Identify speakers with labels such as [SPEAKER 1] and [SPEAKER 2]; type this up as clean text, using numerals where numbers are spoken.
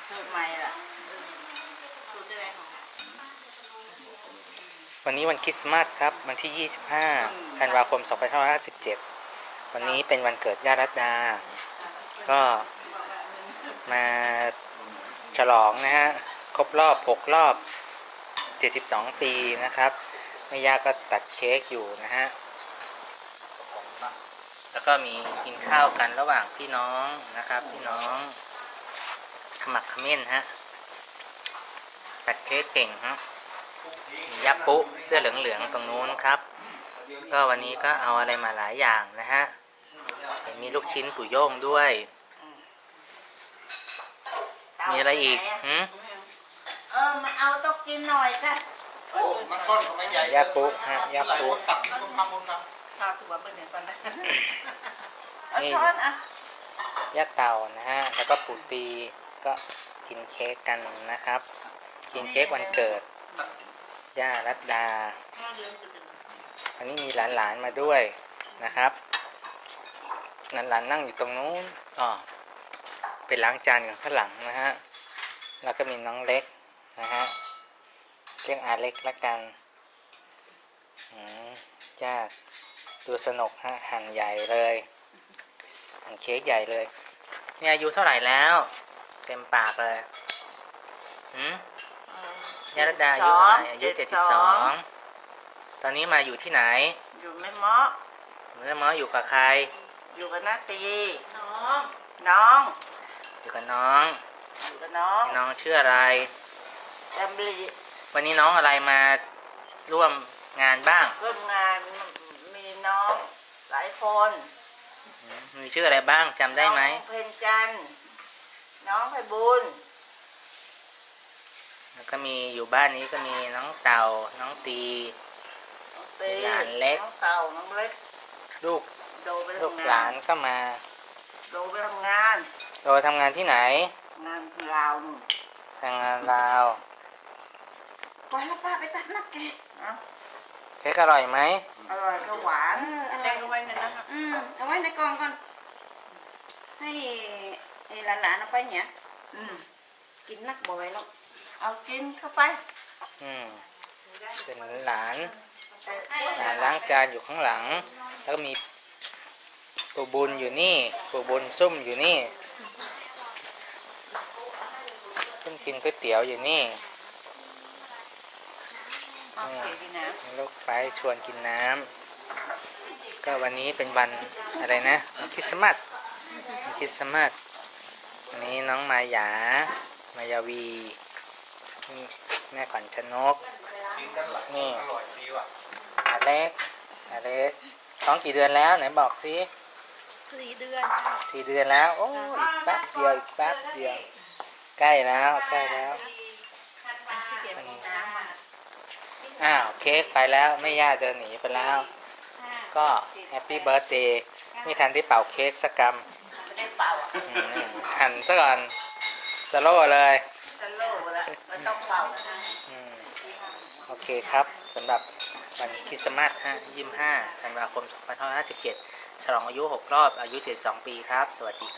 [SPEAKER 1] สูตรใหม่ล่ะสูตรอะไรของ
[SPEAKER 2] วันนี้วันคริสต์มาสครับวันที่ 25 ธันวาคม 2557 วันนี้เป็นวันเกิดย่ารัตดาก็มาฉลองนะฮะครบรอบ6 รอบ 72 ปีนะครับแม่ย่าก็ตัดเค้กอยู่นะฮะแล้วก็มีกินข้าวกันระหว่างพี่น้องนะครับพี่น้องขมักเขม้นฮะตัดเค้กเก่งฮะมียับปุ๊เสื้อเหลืองๆตรงนู้นครับก็วันนี้ก็เอาอะไรมาหลายอย่างนะฮะมีลูกชิ้นปู่โย่งด้วยมีอะไรอีก
[SPEAKER 1] มาเอาต้องกินหน่อยค่ะ
[SPEAKER 3] โอ้มันก้อนทำไมใหญ่
[SPEAKER 2] ยับปุ๊ฮะยับปุ๊
[SPEAKER 3] ตักที่คนทำคนท
[SPEAKER 1] ำข้าวตัวเปิดเดี๋ยวก่อนนะเอาช้อนอ่ะ
[SPEAKER 2] ย่าเต่านะฮะแล้วก็ปู่ตีก็กินเค้กกันนะครับกินเค้กวันเกิดย่ารัตดาอันนี้มีหลานๆมาด้วยนะครับหลานๆนั่งอยู่ตรงนู้นไปล้างจานกันข้างหลังนะฮะแล้วก็มีน้องเล็กนะฮะเรียกอาเล็กละกันจ้าดูสนุกฮะหั่นใหญ่เลยหั่นเค้กใหญ่เลยเนี่ยอายุเท่าไหร่แล้วเต็มปากเลยย่ารัตดาอายุเท่าไหร่อายุ72ตอนนี้มาอยู่ที่ไหน
[SPEAKER 1] อยู่แม่เมาะ
[SPEAKER 2] อยู่กับใคร
[SPEAKER 1] อยู่กับนาตีน้อง
[SPEAKER 2] อยู่กับน้องน้องชื่ออะไร
[SPEAKER 1] จำลี
[SPEAKER 2] วันนี้น้องอะไรมาร่วมงานบ้าง
[SPEAKER 1] ร่วมงานมีน้องหลายคน
[SPEAKER 2] มีชื่ออะไรบ้างจำได้ไหม
[SPEAKER 1] น้องเพนจันน้องไพบุญ
[SPEAKER 2] แล้วก็มีอยู่บ้านนี้ก็มีน้องเต่าน้องตีหลานเล็ก
[SPEAKER 1] น้องเต่าน้องเล็ก
[SPEAKER 2] ลูกหลานก็มา
[SPEAKER 1] โดไปทำงาน
[SPEAKER 2] ทำงานที่ไหน
[SPEAKER 1] งานลาว
[SPEAKER 2] ทำงานลาว
[SPEAKER 1] ไปแล้วป้าไปตักนักแก
[SPEAKER 2] เค้กอร่อยไหม
[SPEAKER 1] อร่อยก็หวานอะไรก็ไว้ในนั้น
[SPEAKER 4] เอาไว้ในกล่องก่อนให้หลานๆเอาไปเนี่ยกินนักบ่อยแล้ว
[SPEAKER 1] เอากินเข้าไป
[SPEAKER 2] เป็นหลานล้างจานอยู่ข้างหลังแล้วก็มีปู่บุญอยู่นี่ปู่บุญซุ่มอยู่นี่ซุ่มกินก๋วยเตี๋ยวอยู่นี่ลูกไปชวนกินน้ำก็วันนี้เป็นวันอะไรนะคริสต์มาสวันนี้น้องมายาวีแม่ขวัญชนกนี่อาเล็กท้องกี่เดือนแล้วไหนบอกสิ
[SPEAKER 4] 4 เดือน
[SPEAKER 2] แล้วโอ้อีกแป๊บเดียวใกล้แล้วเค้กไปแล้วแม่ย่าเดินหนีไปแล้วก็แฮปปี้เบิร์ธเดย์ไม่ทันได้เป่าเค้กสักกำหั่นซะก่อนสโลว์เลย
[SPEAKER 1] แล้วก็ต้องเป่า
[SPEAKER 2] โอเคครับสำหรับวันคริสต์มาส25 ธันวาคม 2557ฉลองอายุ6 รอบอายุ72 ปีครับสวัสดี